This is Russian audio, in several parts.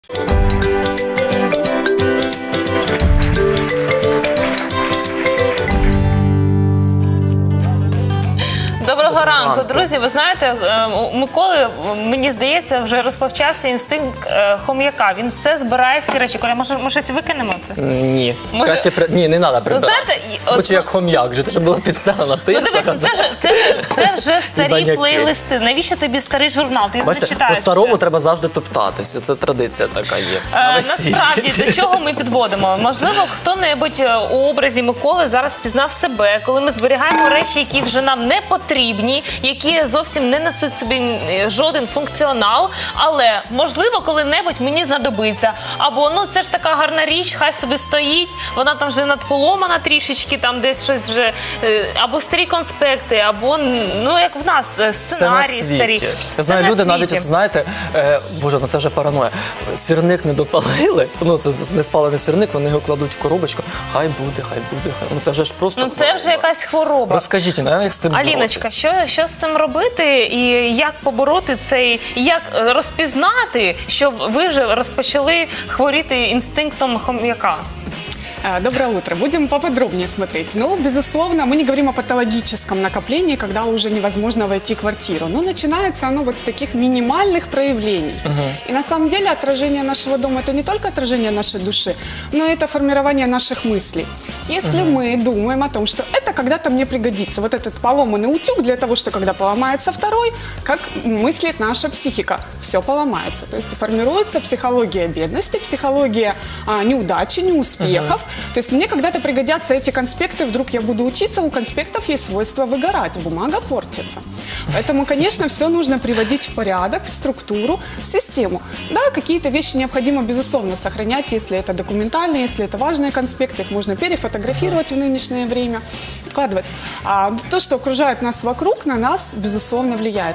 Доброго ранку, друзі. Ви знаєте, у Миколи, мені здається, вже розпочався інстинкт хом'яка. Він все збирає, всі речі. Коля, може, щось викинемо? Ні. Може... Ні, не треба прибирати. Хочу як хом'як, вже було підставлено. Ну дивись, це вже старі плейлисти. Навіщо тобі старий журнал? Ти не читаєш. По-старому треба завжди топтатися. Це традиція така є. Насправді, до чого ми підводимо? Можливо, хто-небудь у образі Миколи зараз пізнав себе, коли ми зберігаємо речі, які вже нам не потрібні, які зовсім не несуть собі жоден функціонал, але, можливо, коли-небудь мені знадобиться. Або, ну, це ж така гарна річ, хай собі стоїть, вона там вже надполомана трішечки, там десь щось вже, або старі конспекти, або, ну, як в нас, сценарії старі. Я знаю, люди навіть, знаєте, боже, ну це вже параноя, сірник не допалили, ну, це не спалений сірник, вони його кладуть в коробочку, хай буде, ну, це вже ж просто хвороба. Ну, це вже якась хвороба. Розкажіть, як з цим Аліночка, що з цим робити і як побороти цей, як розпізнати, що ви вже розпочали хворіти інстинктом хом'яка? Доброе утро. Будем поподробнее смотреть. Ну, безусловно, мы не говорим о патологическом накоплении, когда уже невозможно войти в квартиру. Но начинается оно вот с таких минимальных проявлений. И на самом деле отражение нашего дома – это не только отражение нашей души, но это формирование наших мыслей. Если мы думаем о том, что это когда-то мне пригодится, вот этот поломанный утюг для того, что когда поломается второй, как мыслит наша психика, все поломается. То есть формируется психология бедности, психология неудачи, неуспехов. То есть мне когда-то пригодятся эти конспекты, вдруг я буду учиться, у конспектов есть свойство выгорать, бумага портится. Поэтому, конечно, все нужно приводить в порядок, в структуру, в систему. Да, какие-то вещи необходимо, безусловно, сохранять, если это документальные, если это важные конспекты, их можно перефотографировать в нынешнее время, вкладывать. А то, что окружает нас вокруг, на нас, безусловно, влияет.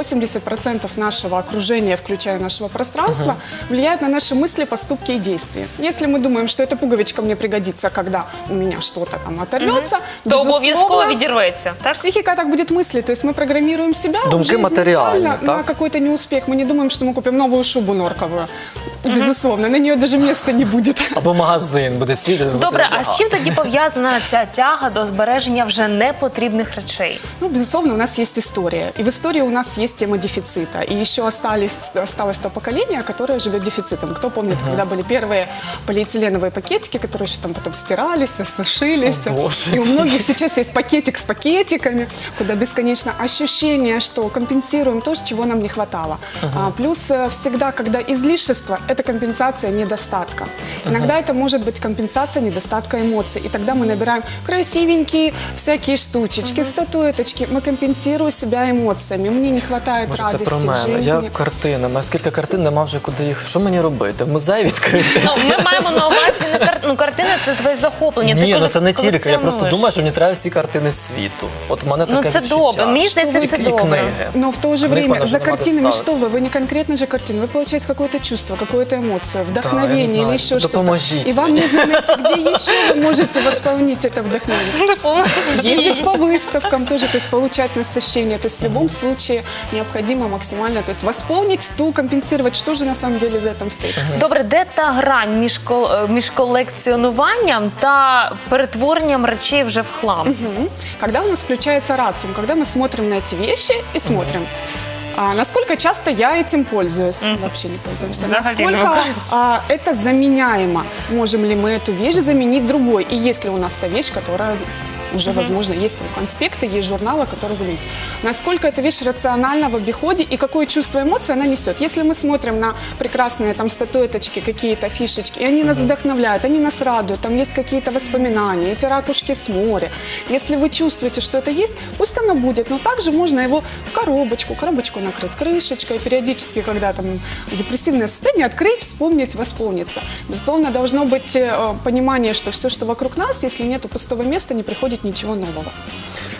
80% нашего окружения, включая нашего пространства, влияет на наши мысли, поступки и действия. Если мы думаем, что эта пуговичка мне пригодится, когда у меня что-то там оторвется, то обов'язково відірветься. Психика так будет мыслить, то есть мы программируем себя уже изначально на какой-то неуспех. Мы не думаем, что мы купим новую шубу норковую. Безусловно, на нее даже места не будет. Або магазин буде сидіти. Добре, а з чим тоді пов'язана ця тяга до збереження вже непотрібних речей? Ну, безусловно, у нас есть история. И в истории у нас есть тема дефицита. И еще осталось то поколение, которое живет дефицитом. Кто помнит, когда были первые полиэтиленовые пакетики, которые еще там потом стирались, сушились. И у многих сейчас есть пакетик с пакетиками, куда бесконечно ощущение, что компенсируем то, чего нам не хватало. Плюс всегда, когда излишество, это компенсация недостатка. Иногда это может быть компенсация недостатка эмоций. И тогда мы набираем красивенькие всякие штучечки, статуэточки. Мы компенсируем себя эмоциями. Мне не хватает радости в жизни. Я картинами. А скільки картин, нема вже куди їх. Що мені робити? В музей відкрити? Ну, ми маємо на увазі, картини – це твоє захоплення. Ні, ну це не тільки. Я просто думаю, що мені треба всі картини світу. От в мене таке відчуття. Ну це добре. Мені здається, це добре. Но в то же время за картинами что вы? Вы не конкретно же картины. Вы получаете какое-то чувство, какую-то эмоцию, вдохновение или еще что-то. И вам нужно найти, где еще вы можете восполнить это вдохновение. Ездить по выставкам тоже, то есть получать насыщение. То есть в любом случае необходимо максимально, то есть восполнить, компенсировать, что же на самом деле за этим стоит. Добре, де та грань між колекціонуванням та перетворенням речей вже в хлам? Когда у нас включается рациум, когда мы смотрим на эти вещи и смотрим, насколько часто я этим пользуюсь? Вообще не пользуемся. Насколько это заменяемо? Можем ли мы эту вещь заменить другой? И есть ли у нас та вещь, которая уже, возможно, есть там конспекты, есть журналы, которые заменить. Насколько эта вещь рациональна в обиходе и какое чувство эмоций она несет. Если мы смотрим на прекрасные там статуэточки, какие-то фишечки, и они нас вдохновляют, они нас радуют, там есть какие-то воспоминания, эти ракушки с моря. Если вы чувствуете, что это есть, пусть оно будет, но также можно его в коробочку накрыть крышечкой, периодически, когда там депрессивное состояние, открыть, вспомнить, восполниться. Безусловно, должно быть понимание, что все, что вокруг нас, если нет пустого места, не приходит ничего нового.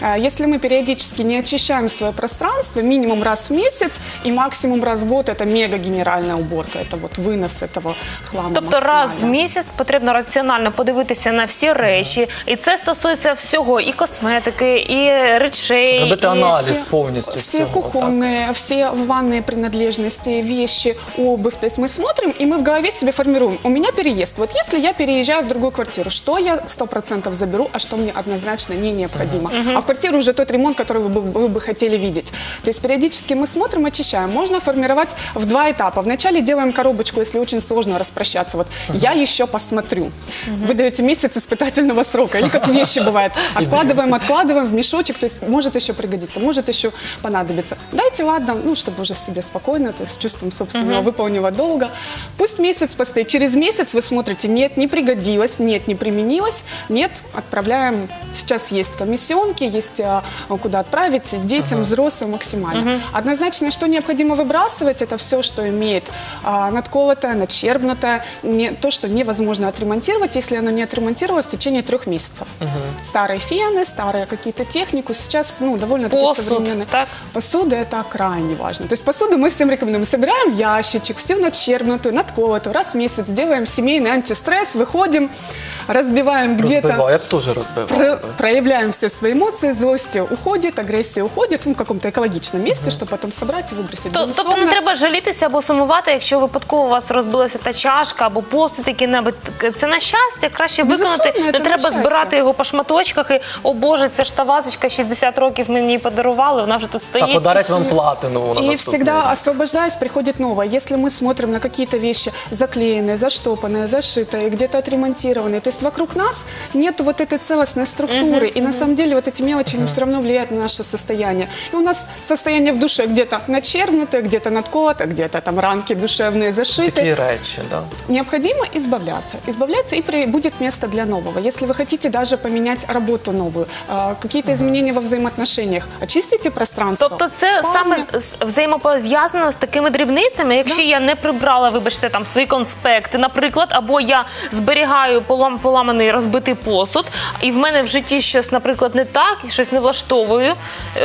Если мы периодически не очищаем свое пространство, минимум раз в месяц и максимум раз в год, это мега генеральная уборка, это вот вынос этого хлама. Тобто раз в максимально. місяць потрібно раціонально подивитися на всі речі, і це стосується всього, і косметики, і речей. Зробити і... аналіз повністю Все всього. так. кухонные, все ванные принадлежности, вещи, обувь. То есть мы смотрим, и мы в голове себе формируем. У меня переезд. Вот если я переезжаю в другую квартиру, что я 100% заберу, а что мне однозначно не необходимо. А в квартиру уже тот ремонт, который вы бы хотели видеть. То есть периодически мы смотрим, очищаем. Можно формировать в 2 этапа. Вначале делаем коробочку, если очень сложно распрощаться. Вот я еще посмотрю. Вы даете месяц испытательного срока. Или как вещи бывает. Откладываем в мешочек. То есть может еще пригодиться, может еще понадобится. Дайте, ладно, ну, чтобы уже себе спокойно, то есть с чувством собственного выполненного долга. Пусть месяц постоит. Через месяц вы смотрите, нет, не пригодилось, нет, не применилось, нет, отправляем. Сейчас есть комиссионки, есть куда отправить детям, взрослым максимально. Однозначно, что необходимо выбрасывать, это все, что имеет надколотое, начербнутое, то, что невозможно отремонтировать, если оно не отремонтировалось в течение 3 месяцев. Старые фены, старые какие-то технику, сейчас, ну, довольно-таки Посуд, современные. так? Посуда – это крайне важно. То есть посуду мы всем рекомендуем. Собираем ящичек, всю начербнутую, надколотую, раз в месяц делаем семейный антистресс, выходим, разбиваем где-то. Розбиваю, я б теж розбивав. Проявляем все свои эмоции, злость уходит, агрессия уходит, ну, в каком-то экологичном месте, чтобы потом собрать и выбросить. Тобто не треба жалітися або сумувати, якщо випадково у вас розбилася та чашка або посуд який-небудь. Це на щастя, краще виконати. Безусловно, Не це на треба щастя. збирати його по шматочках і, о Боже, це ж та вазочка 60 років мені її подарували, вона вже тут Та стоїть. подарять вам платину на И наступний всегда, рік. освобождаясь, приходит новое. Если мы смотрим на какие-то вещи заклеенные, заштопанные, зашитые, где-то отремонтированные, то есть вокруг нас нет вот этой целостной структуры. И на самом деле вот эти мелочи все равно влияют на наше состояние. И у нас состояние в душе где-то начербнутое, где-то надколото, где-то там ранки душевные зашиты. Такі речі, да. Необходимо избавляться. Избавляться, и будет место для нового. Если вы хотите даже поменять работу новую, какие-то изменения во взаимоотношениях, очистите пространство. Тобто це спальня. саме взаємопов'язано з такими дрібницями. Якщо я не прибрала, вибачте, там свої конспекти, наприклад, або я зберігаю поламаний розбитий посуд, і в мене в житті щось, наприклад, не так, щось не влаштовую.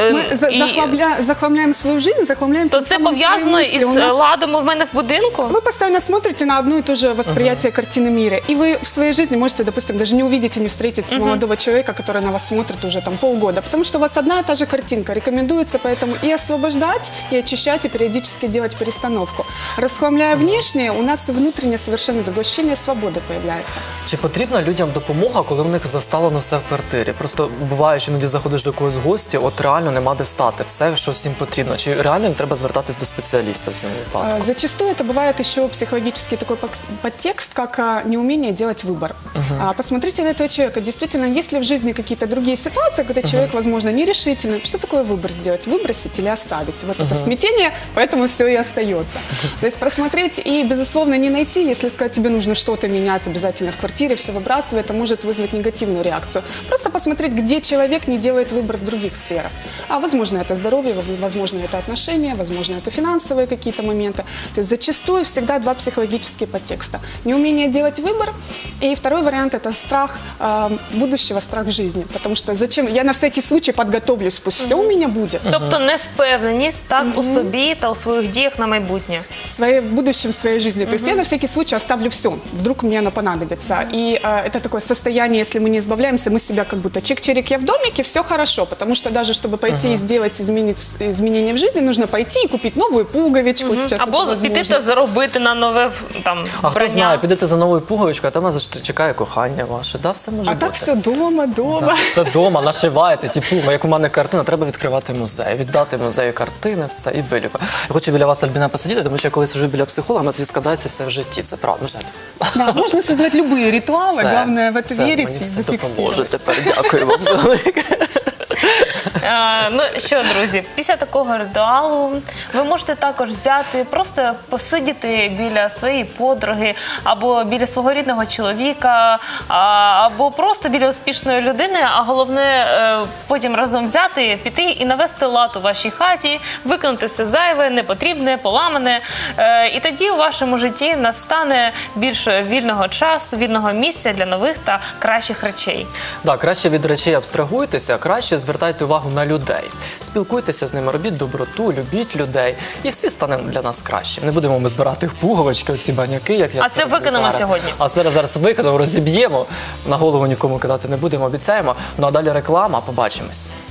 Мы захламляем свою жизнь, захламляем То тем це самым свои пов'язано мысли. із У нас- ладом у мене в будинку? Вы постоянно смотрите на одно и то же восприятие картины мира. И вы в своей жизни можете, допустим, даже не увидеть и не встретить молодого человека, который на вас смотрит уже там полгода. Потому что у вас одна и та же картинка. Рекомендуется поэтому и освобождать, и очищать, и периодически делать перестановку. Расхламляя внешнее, у нас внутреннее совершенно другое ощущение свободы появляется. Чи потрібна людям допомога, коли в них заставлено все в квартирі? Просто буває, що іноді заходиш до когось в гості, от реально нема де стати, все, що всім потрібно. Чи реально їм треба звертатись до спеціаліста в цьому випадку? Зачастую это бывает еще психологический такой подтекст, как неумение делать выбор. Посмотрите на этого человека. Действительно, есть ли в жизни какие-то другие ситуации, когда человек, возможно, нерешительный? Что такое выбор сделать? Выбросить или оставить? Вот это смятение, поэтому все и остается. То есть просмотреть и, безусловно, не найти, если сказать, тебе нужно что-то менять обязательно в квартире, все выбрасывай, это может вызвать негативную реакцию. Просто посмотреть, где человек не делает выбор в других сферах. Возможно, это здоровье, возможно, это отношения, возможно, это финансовые какие-то моменты. То есть зачастую всегда 2 психологические подтекста. Неумение делать выбор, и второй вариант – это страх будущего, страх жизни. Потому что зачем? Я на всякий случай подготовлюсь, пусть все у меня будет. Тобто невпевненість так у собі та у своїх діях на майбутнє. В будущем своей жизни. То есть я на всякий случай оставлю все. Вдруг мне оно понадобится. И это такое состояние, если мы не избавляемся, мы себя как будто чик-чирик, я в домике, все хорошо. Потому что даже чтобы пойти и сделать изменения в жизни, нужно пойти и купить новую пуговичку. Сейчас Або это піти возможно. та заробити на нове там А хто знає, вбрання. підете за новою пуговичкою, а там вас чекає кохання ваше. Да, все може А бути. так все дома. Да, все вдома, нашиваєте ті пуми. Як у мене картина, треба відкривати музей, віддати музею картини, все, і виліку. Я хочу біля вас, Альбіна, посидіти, тому що я коли сиджу біля психолога, мене тоді складається все в житті. Це правда. Да, можно создавать любые ритуалы, Все, главное в это все, верить мені и все допоможе зафиксировать. тепер. Дякую вам велике. Ну що, друзі, після такого ритуалу ви можете також взяти, просто посидіти біля своєї подруги, або біля свого рідного чоловіка, або просто біля успішної людини, а головне потім разом взяти, піти і навести лад у вашій хаті, викинути все зайве, непотрібне, поламане. І тоді у вашому житті настане більше вільного часу, вільного місця для нових та кращих речей. Так, краще від речей абстрагуйтеся, краще звертайте увагу на людей. Спілкуйтеся з ними, робіть доброту, любіть людей, і світ стане для нас кращим. Не будемо ми збирати в пуговички, оці баняки, як я А це роблю викинемо зараз. сьогодні. А зараз викинемо, розіб'ємо, на голову нікому кидати не будемо, обіцяємо. Ну а далі реклама, побачимось.